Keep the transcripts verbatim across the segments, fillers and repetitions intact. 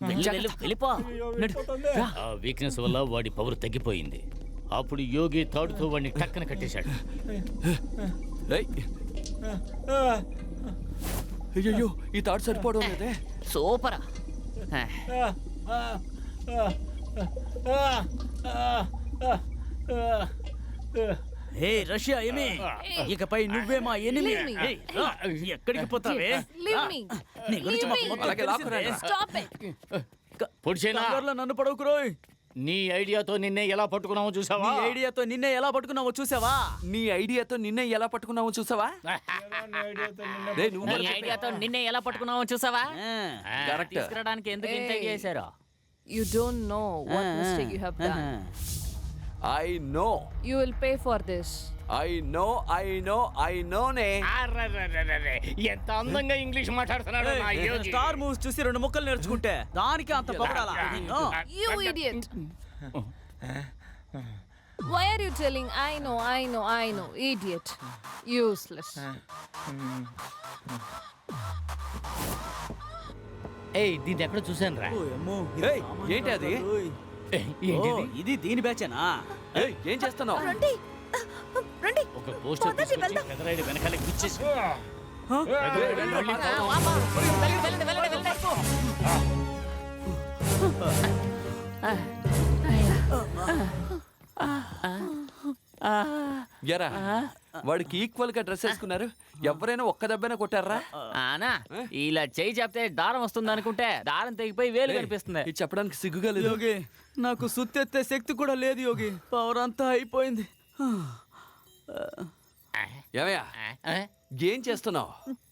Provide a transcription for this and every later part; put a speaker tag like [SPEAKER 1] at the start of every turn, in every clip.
[SPEAKER 1] వెళ్ళిపో. ఆ వీక్నెస్ వల్ల వాడి పవర్ తగ్గిపోయింది. అప్పుడు యోగి తాడుతో వాడిని టక్కన కట్టేశాడు.
[SPEAKER 2] అయ్యో, ఈ తాడు సరిపోవడం లేదే.
[SPEAKER 1] సూపర్.
[SPEAKER 3] హే రష్యా ఏమి, ఇకపై నువ్వే మా ఎనిమి. ఎక్కడికి పోతావే? నీ గురించి మాకు మొత్తం తెలిసిందే. నన్ను పడవుకురోయ్.
[SPEAKER 1] నీ ఐడియాతో నిన్నే ఎలా పట్టుకున్నావో చూసావా?
[SPEAKER 3] నీ ఐడియాతో నిన్నే ఎలా పట్టుకున్నావో చూసావా?
[SPEAKER 2] నీ ఐడియాతో నిన్నే ఎలా పట్టుకున్నావో చూసావా?
[SPEAKER 1] నీ ఐడియాతో నిన్నే ఎలా పట్టుకున్నావో చూసావా?
[SPEAKER 2] కరెక్ట్.
[SPEAKER 1] తీసుకురావడానికి ఎందుకు ఇంత చేశారో.
[SPEAKER 4] You don't know what mistake you have done.
[SPEAKER 2] I know.
[SPEAKER 4] You will pay for this.
[SPEAKER 2] I know, I know, I know నే.
[SPEAKER 1] ఎంత అందంగా ఇంగ్లీష్ మాట్లాడుతున్నాడు నా యోగి.
[SPEAKER 3] స్టార్ మూవ్స్ చూసి రెండు ముక్కలు నేర్చుకుంటే దానికి అంత పొగడాలా?
[SPEAKER 4] You idiot. Why are you telling I know, I know, I know? Idiot. Useless.
[SPEAKER 1] ఏయ్, దీన్ని ఎక్కడ చూసాను రా.
[SPEAKER 2] ఏయ్, ఏంటి అది?
[SPEAKER 3] ఇది దీని బ్యాచేనా?
[SPEAKER 2] ఏయ్, ఏం చేస్తున్నావు?
[SPEAKER 4] రండి రండి.
[SPEAKER 1] ఒక పోస్టర్ తీసుకొచ్చి పెదరాయుడు వెనకాల గుచ్చేసి
[SPEAKER 2] ఎరా, వాడికి ఈక్వల్ గా డ్రెస్ వేసుకున్నారు. ఎవరైనా ఒక్క దెబ్బైనా కొట్టారా?
[SPEAKER 1] ఆనా ఇలా చేయి చెప్తే దారం వస్తుంది అనుకుంటే దారం తెగిపోయి వేలు కనిపిస్తుంది.
[SPEAKER 2] ఇది చెప్పడానికి సిగ్గుగా లేదు.
[SPEAKER 3] యోగి, నాకు సుత్తెత్తే శక్తి కూడా లేదు యోగి. పవర్ అంతా అయిపోయింది.
[SPEAKER 2] ఏమయ్యా, ఏం చేస్తున్నావు?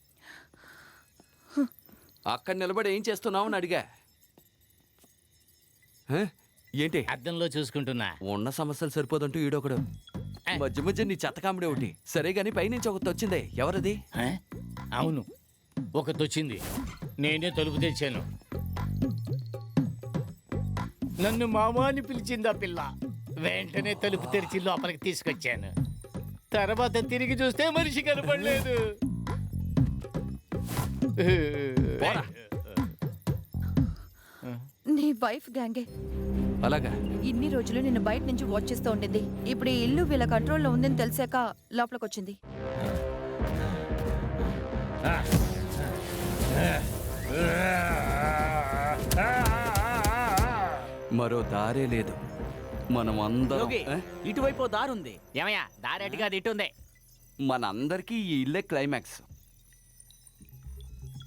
[SPEAKER 2] అక్కడ నిలబడి ఏం చేస్తున్నావు అని అడిగా. ఏంటి?
[SPEAKER 1] అద్దంలో చూసుకుంటున్నా.
[SPEAKER 2] ఉన్న సమస్యలు సరిపోదంటూ ఈడొకడు మధ్య మధ్య నీ చెత్త కామెడీ ఒకటి. సరే గాని పైనుంచి ఒకటి వచ్చిందే, ఎవరది?
[SPEAKER 1] అవును, ఒకటి వచ్చింది. నేనే తలుపు తెచ్చాను. నన్ను మామా అని పిలిచింది ఆ పిల్ల. వెంటనే తలుపు తెరిచి లోపలికి తీసుకొచ్చాను. తర్వాత తిరిగి చూస్తే మనిషి కనపడలేదు.
[SPEAKER 5] నీ వైఫ్ గ్యాంగే.
[SPEAKER 2] అలాగా?
[SPEAKER 5] ఇన్ని రోజులు నిన్ను బయట నుంచి వాచ్ చేస్తూ ఉండింది. ఇప్పుడు ఈ ఇల్లు వీళ్ళ కంట్రోల్లో ఉందని తెలిసాక లోపలికి వచ్చింది.
[SPEAKER 2] మరో దారే లేదు. మనం అందరం
[SPEAKER 3] యోగి, ఇటువైపు దారుంది.
[SPEAKER 1] ఏమయ్యా, దారి అటుగా అది ఇటుంది.
[SPEAKER 2] మనందరికీ ఈ ఇల్లే క్లైమాక్స్.